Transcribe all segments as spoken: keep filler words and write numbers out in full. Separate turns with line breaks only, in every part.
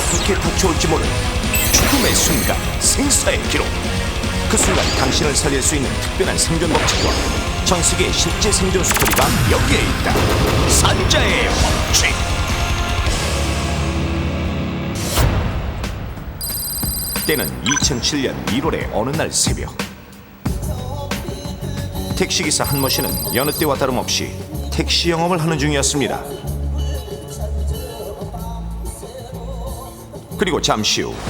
어떻게 닥쳐올지 모르는 죽음의 순간, 생사의 기록. 그 순간 당신을 살릴 수 있는 특별한 생존 법칙과 전 세계의 실제 생존 스토리가 여기에 있다. 산자의 법칙. 때는 이천칠 년 일월의 어느 날 새벽. 택시기사 한모 씨는 여느 때와 다름없이 택시 영업을 하는 중이었습니다. 그리고 잠시 후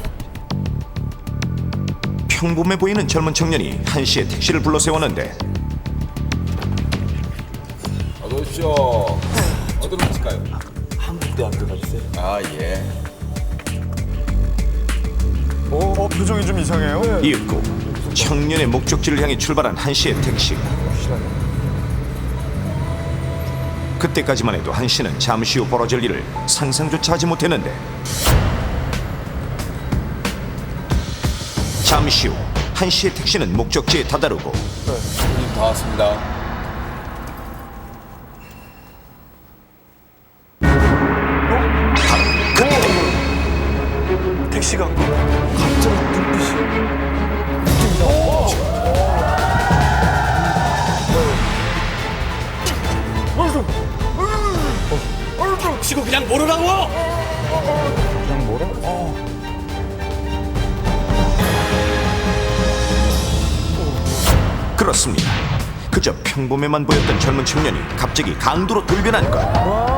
평범해 보이는 젊은 청년이 한 씨의 택시를 불러 세웠는데
어서 오십시오. 어디로 가실까요?
한국대학교 가주세요.
아 예.
어, 어 표정이 좀 이상해요.
이윽고 청년의 목적지를 향해 출발한 한 씨의 택시. 그때까지만 해도 한 씨는 잠시 후 벌어질 일을 상상조차 하지 못했는데 잠시 후 한 씨의 택시는 목적지에 다다르고
손님 다 왔습니다.
바로 그때
택시가 갑자기 눈빛이
치고 그냥 모르라고!
그냥 뭐라? 어.
그렇습니다. 그저 평범해만 보였던 젊은 청년이 갑자기 강도로 돌변한 것.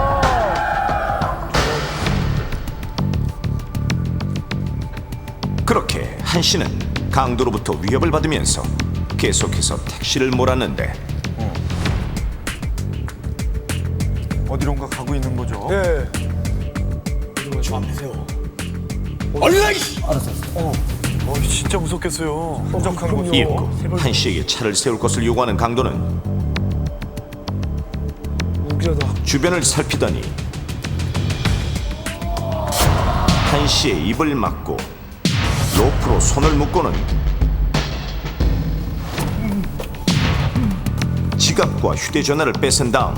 그렇게 한 씨는 강도로부터 위협을 받으면서 계속해서 택시를 몰았는데
어디론가 가고 있는 거죠?
네. 저 앞에 세워. 얼른 와! 이씨!
어, 진짜 무섭겠어요. 한적한 곳.
이윽고 한 씨에게 차를 세울 것을 요구하는 강도는 주변을 살피더니 한 씨의 입을 막고 로프로 손을 묶고는 지갑과 휴대전화를 뺏은 다음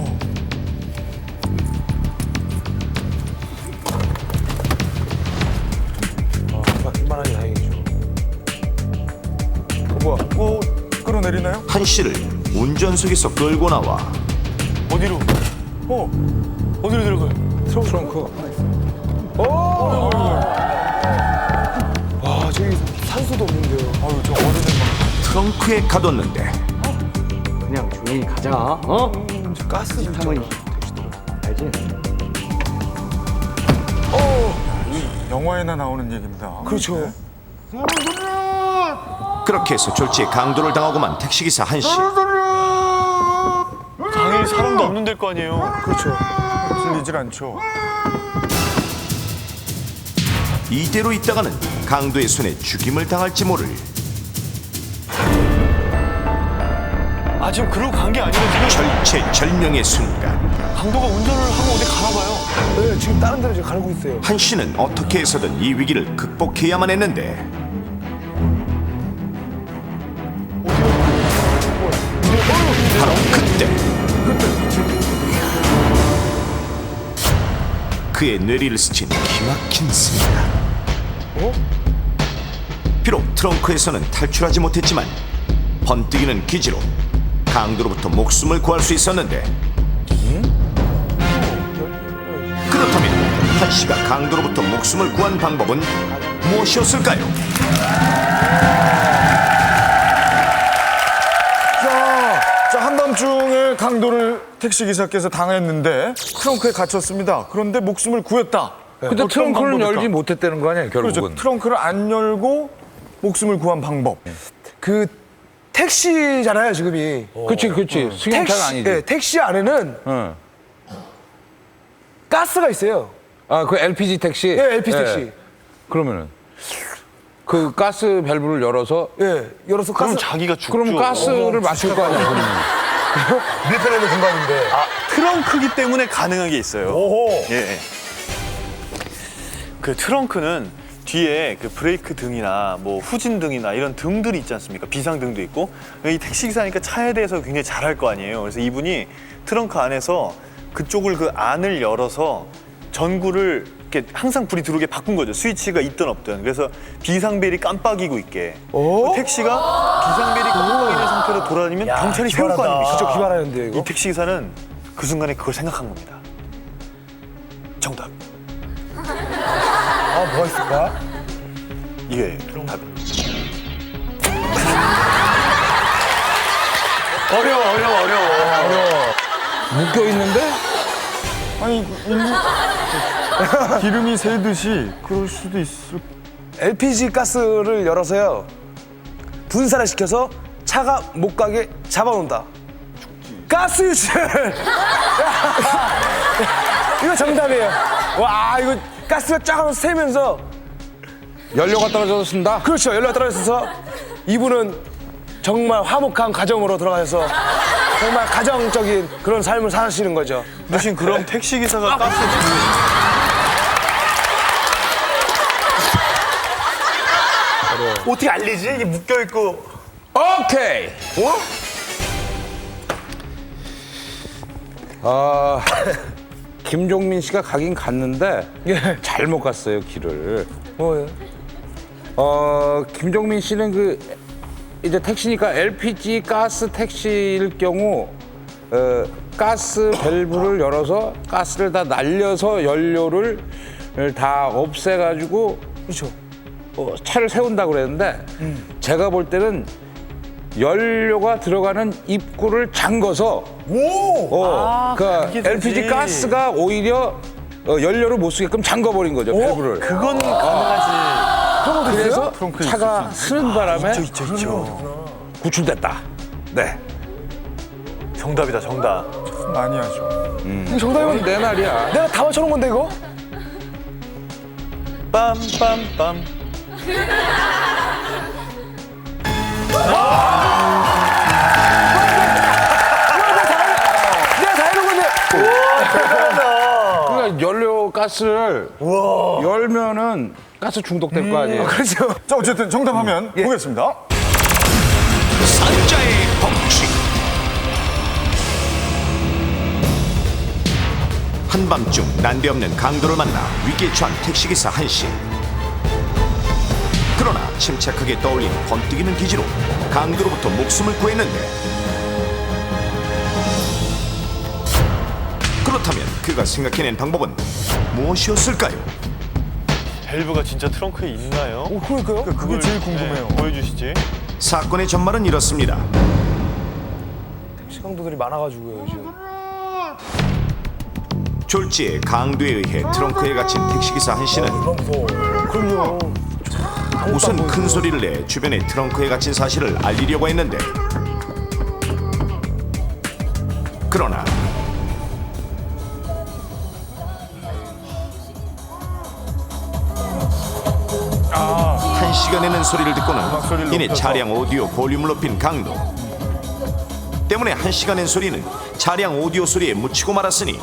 이만하니 다행이죠.
어, 뭐야? 어, 끌어내리나요?
한 씨를 운전석에서 끌고 나와
어디로? 어, 어디로 들어가요?
트렁크. 오! 와, 저기 산소도 없는데요.
아유, 저 어른은
트렁크에 가뒀는데
그냥 조용히 가자. 어?
막 가스 진짜.
하면 알지?
영화에나 나오는 얘기입니다.
그렇죠.
그렇게 해서 졸지에 강도를 당하고만 택시기사 한 씨.
당연히 사람도 없는 데일 거 아니에요.
그렇죠.
들리질 않죠.
이대로 있다가는 강도의 손에 죽임을 당할지 모를
아, 지금 그러고 간 게 아니고 지금
절체절명의 순간.
강도가 운전을 하고 어디 가나 봐요.
네, 지금 다른 데로 지금 가고 있어요.
한 씨는 어떻게 해서든 이 위기를 극복해야만 했는데 바로 그때 그의 뇌리를 스친 기막힌 순간. 비록 트렁크에서는 탈출하지 못했지만 번뜩이는 기지로 강도로부터 목숨을 구할 수 있었는데 그렇다면 한 씨가 강도로부터 목숨을 구한 방법은 무엇이었을까요?
자, 자 한밤중에 강도를 택시기사께서 당했는데 트렁크에 갇혔습니다. 그런데 목숨을 구했다.
근데
어떤
트렁크를
방법일까?
열지 못했다는 거 아니에요, 결국은?
그렇죠. 트렁크를 안 열고 목숨을 구한 방법.
그 택시잖아요, 지금이.
그치, 그치. 승용차가 아니지.
네, 택시 안에는
응.
가스가 있어요.
아, 그 엘피지 택시?
예, 엘피지 택시.
그러면은 그 가스 밸브를 열어서
예, 열어서 가스.
자기가 죽죠.
그러면 가스를 맞출 거 아니야, 그러면.
밀폐되어 있는 공간인데.
트렁크기 때문에 가능한 게 있어요.
오호.
예. 그 트렁크는 뒤에 그 브레이크 등이나 뭐 후진 등이나 이런 등들이 있지 않습니까? 비상등도 있고. 이 택시기사니까 차에 대해서 굉장히 잘할 거 아니에요. 그래서 이분이 트렁크 안에서 그쪽을 그 안을 열어서 전구를 이렇게 항상 불이 들어오게 바꾼 거죠. 스위치가 있든 없든. 그래서 비상벨이 깜빡이고 있게. 그 택시가 비상벨이 깜빡이는 상태로 돌아다니면 경찰이 세울 거 아닙니까?
진짜 기발하는데 이거.
이 택시 기사는 그 순간에 그걸 생각한 겁니다. 정답.
아 뭐가 있을까?
이게 답.
어려워 어려워 어려워.
묶여 있는데?
아니 일부 기름이 새듯이 그럴 수도 있을.
엘피지 가스를 열어서요 분사를 시켜서 차가 못 가게 잡아놓는다. 가스 유출. 이거 정답이에요. 와 이거 가스가 쫙 하면서 새면서
연료가 떨어져서 쓴다?
그렇죠. 연료가 떨어져서 이분은 정말 화목한 가정으로 들어가셔서 정말 가정적인 그런 삶을 사시는 거죠.
대신 그럼 택시 기사가 가스
어떻게 알리지? 이게 묶여 있고.
오케이. 어? 아, 김종민 씨가 가긴 갔는데
예.
잘못 갔어요 길을.
뭐예요?
어, 김종민 씨는 그 이제 택시니까 엘피지 가스 택시일 경우 어, 가스 밸브를 열어서 가스를 다 날려서 연료를 다 없애가지고
그렇죠.
어, 차를 세운다고 그랬는데 제가 볼 때는 연료가 들어가는 입구를 잠궈서 어, 그러니까
그게 되지.
엘피지 가스가 오히려 어, 연료를 못 쓰게끔 잠궈버린 거죠 밸브를.
그건 가능하지.
그래서
트렁크에
차가 쓰는 바람에
있죠 있죠 있죠.
구출됐다. 네.
정답이다 정답.
많이 하죠.
이거 정답이면
이건 내 말이야.
내가 다 맞춰놓은 건데 이거?
빰빰빰.
내가 다 해놓은 건데.
그러니까 연료 가스를 열면은 가스 중독될 거 아니에요.
그렇죠.
자 어쨌든 정답하면 보겠습니다.
산자의 법칙. 한밤중 난데없는 강도를 만나 위기에 처한 택시기사 한씨. 그러나 침착하게 떠올린 번뜩이는 기지로 강도로부터 목숨을 구했는데, 그렇다면 그가 생각해낸 방법은 무엇이었을까요?
밸브가 진짜 트렁크에 있나요?
오, 그러니까요.
그게 제일 궁금해요.
네, 보여주시지.
사건의 전말은 이렇습니다.
시강도들이 많아가지고요 요즘.
졸지에 강도에 의해 트렁크에 갇힌 택시기사 한씨는
그럼요.
우선 큰 소리를 내 주변에 트렁크에 갇힌 사실을 알리려고 했는데, 그러나 한씨가 내는 소리를 듣고는 이내 차량 오디오 볼륨을 높인 강도 때문에 한씨가 낸 소리는 차량 오디오 소리에 묻히고 말았으니,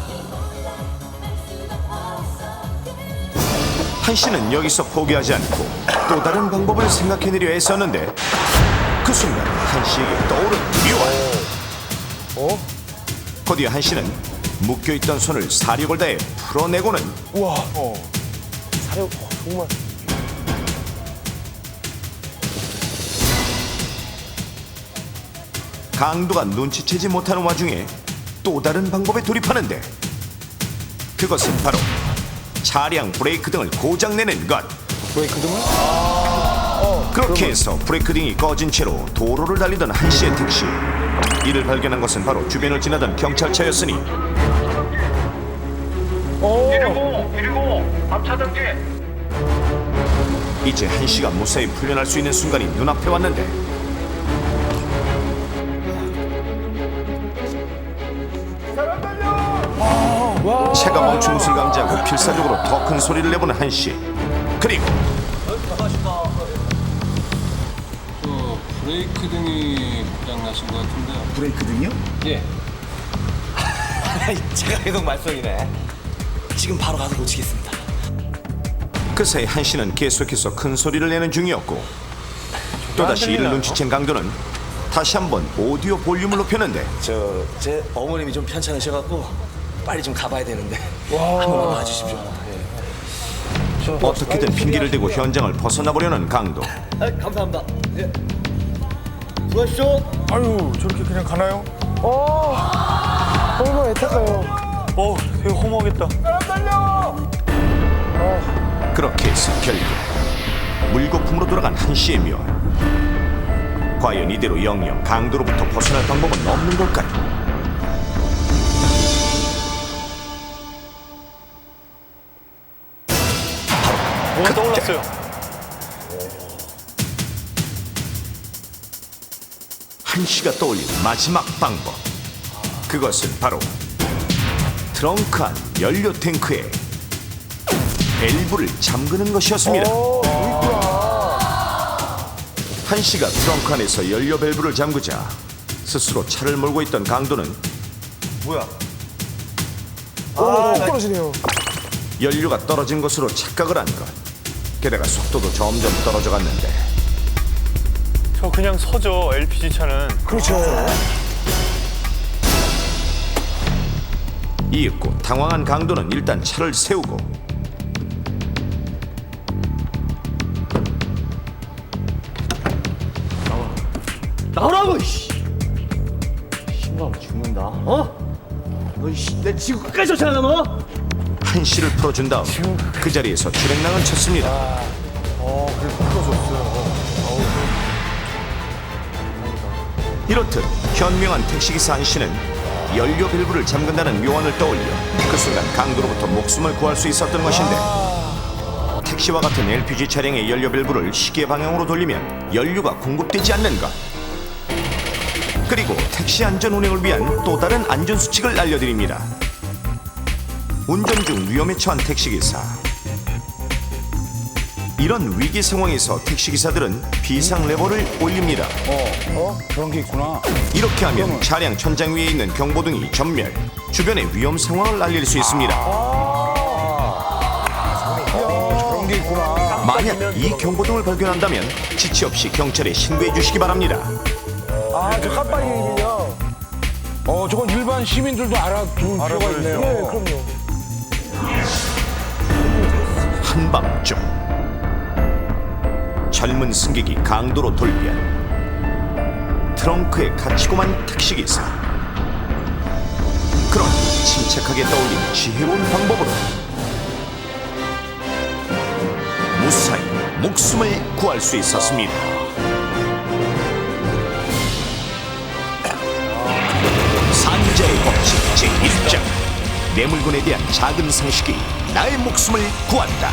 한씨는 여기서 포기하지 않고 또 다른 방법을 생각해내려 했었는데, 그 순간 한씨에게 떠오른 미화. 곧이어 한씨는 묶여있던 손을 사력을 다해 풀어내고는
우와. 사력 어, 정말.
강도가 눈치채지 못하는 와중에 또 다른 방법에 돌입하는데, 그것은 바로 차량 브레이크 등을 고장내는 것.
브레이크 등을?
그렇게 해서 브레이크 등이 꺼진 채로 도로를 달리던 한씨의 택시. 이를 발견한 것은 바로 주변을 지나던 경찰차였으니, 이제 한씨가 무사히 풀려날 수 있는 순간이 눈앞에 왔는데, 차가 멈춘 것을 감지하고 필사적으로 더 큰 소리를 내보는 한씨. 그리고
브레이크 등이 고장나신 것 같은데요.
브레이크 등이요?
예.
제가 계속 말썽이네. 지금 바로 가서 고치겠습니다.
그 사이 한씨는 계속해서 큰 소리를 내는 중이었고, 또다시 이를 눈치챈 강도는 다시 한번 오디오 볼륨을 높였는데,
저 제 어머님이 좀 편찮으셔갖고 빨리 좀 가봐야 되는데 한번 와주십시오. 예.
어떻게든 핑계를 대고 현장을 벗어나 보려는 강도.
감사합니다. 예. 수고하십시오.
아유 저렇게 그냥 가나요?
얼마나 애타까요.
어, 되게 허무하겠다.
그렇게 해서 결국 물거품으로 돌아간 한시의 묘. 과연 이대로 영영 강도로부터 벗어날 방법은 없는 걸까요?
뭐가 떠올랐어요.
한시가 떠올린 마지막 방법. 그것은 바로 트렁크 안 연료 탱크에 밸브를 잠그는 것이었습니다. 한시가 트렁크 안에서 연료 밸브를 잠그자 스스로 차를 몰고 있던 강도는
뭐야?
오, 떨어지네요.
연료가 떨어진 것으로 착각을 한 것. 게다가 속도도 점점 떨어져 갔는데
저 그냥 서죠, 엘피지 차는.
그렇죠.
이윽고 당황한 강도는 일단 차를 세우고
나오라고 씨. 신발 죽는다. 어? 너 씨, 내 지구 끝까지 쫓아가 너.
한시를 풀어준 다음 그 자리에서 출행랑을 쳤습니다. 이렇듯 현명한 택시기사 한시는 연료 밸브를 잠근다는 묘안을 떠올려 그 순간 강도로부터 목숨을 구할 수 있었던 것인데, 택시와 같은 엘피지 차량의 연료 밸브를 시계 방향으로 돌리면 연료가 공급되지 않는 것. 그리고 택시 안전 운행을 위한 또 다른 안전 수칙을 알려드립니다. 운전 중 위험에 처한 택시기사. 이런 위기 상황에서 택시기사들은 비상 레버를 올립니다.
어? 그런 게 있구나.
이렇게 하면 차량 천장 위에 있는 경보등이 전멸, 주변의 위험 상황을 알릴 수 있습니다.
그런 게 있구나.
만약 이 경보등을 발견한다면 지체 없이 경찰에 신고해 주시기 바랍니다.
아, 저 깜빡이군요.
어, 저건 일반 시민들도 알아둘 필요가 있네요.
네, 그럼요.
한밤중 젊은 승객이 강도로 돌변, 트렁크에 갇히고만 택시기사. 그런 침착하게 떠올린 지혜로운 방법으로 무사히 목숨을 구할 수 있었습니다. 산자의 법칙 제일 장. 내 물건에 대한 작은 상식이 나의 목숨을 구한다.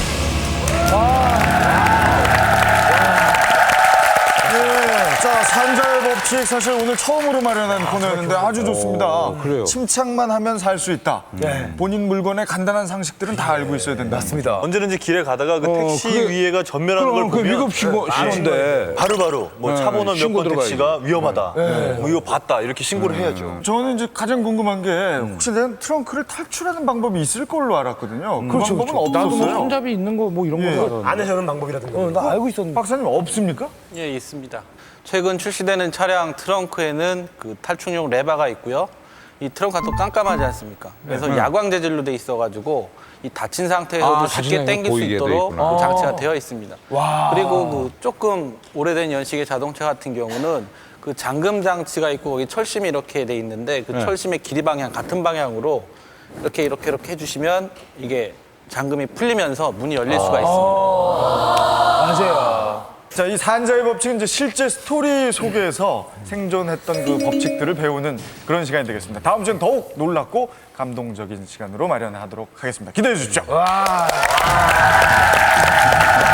네, 자 산자의 법칙 사실 오늘 처음으로 마련한 코너였는데 아주 좋습니다.
그래요?
침착만 하면 살 수 있다. 본인 물건의 간단한 상식들은 다 알고 있어야 된다.
맞습니다.
언제든지 길에 가다가 그
어,
택시
그게-
위에가 전멸하는 걸
그럼 그
보면
위급 신고 신고인데.
바로바로 뭐 차
네,
번호 몇
신고
번
들어가야지.
택시가 위험하다. 뭐 이거 봤다. 이렇게 신고를 해야죠.
저는 이제 가장 궁금한 게 혹시 내가 트렁크를 탈출하는 방법이 있을 걸로 알았거든요. 그 방법은
나도 뭐
없었어요.
손잡이 있는 거 뭐 이런 거.
안에 저는 방법이라든가. 어, 나 알고 있었는데.
박사님 없습니까?
예, 있습니다. 최근 출시되는 차량 트렁크에는 그 탈출용 레바가 있고요. 이 트렁크가 또 깜깜하지 않습니까? 그래서 야광 재질로 돼 있어가지고 이 닫힌 상태에서도
아,
쉽게
닫힌
당길 수
보이게 돼
있도록
있구나.
그 장치가 되어 있습니다. 그리고 그 조금 오래된 연식의 자동차 같은 경우는 그 잠금 장치가 있고 거기 철심이 이렇게 돼 있는데 그 철심의 길이 방향 같은 방향으로 이렇게 이렇게 이렇게 해주시면 이게 잠금이 풀리면서 문이 열릴 수가 있습니다.
맞아요.
자, 이 산자의 법칙은 이제 실제 스토리 속에서 생존했던 그 법칙들을 배우는 그런 시간이 되겠습니다. 다음 주엔 더욱 놀랍고 감동적인 시간으로 마련하도록 하겠습니다. 기대해 주십시오.
와.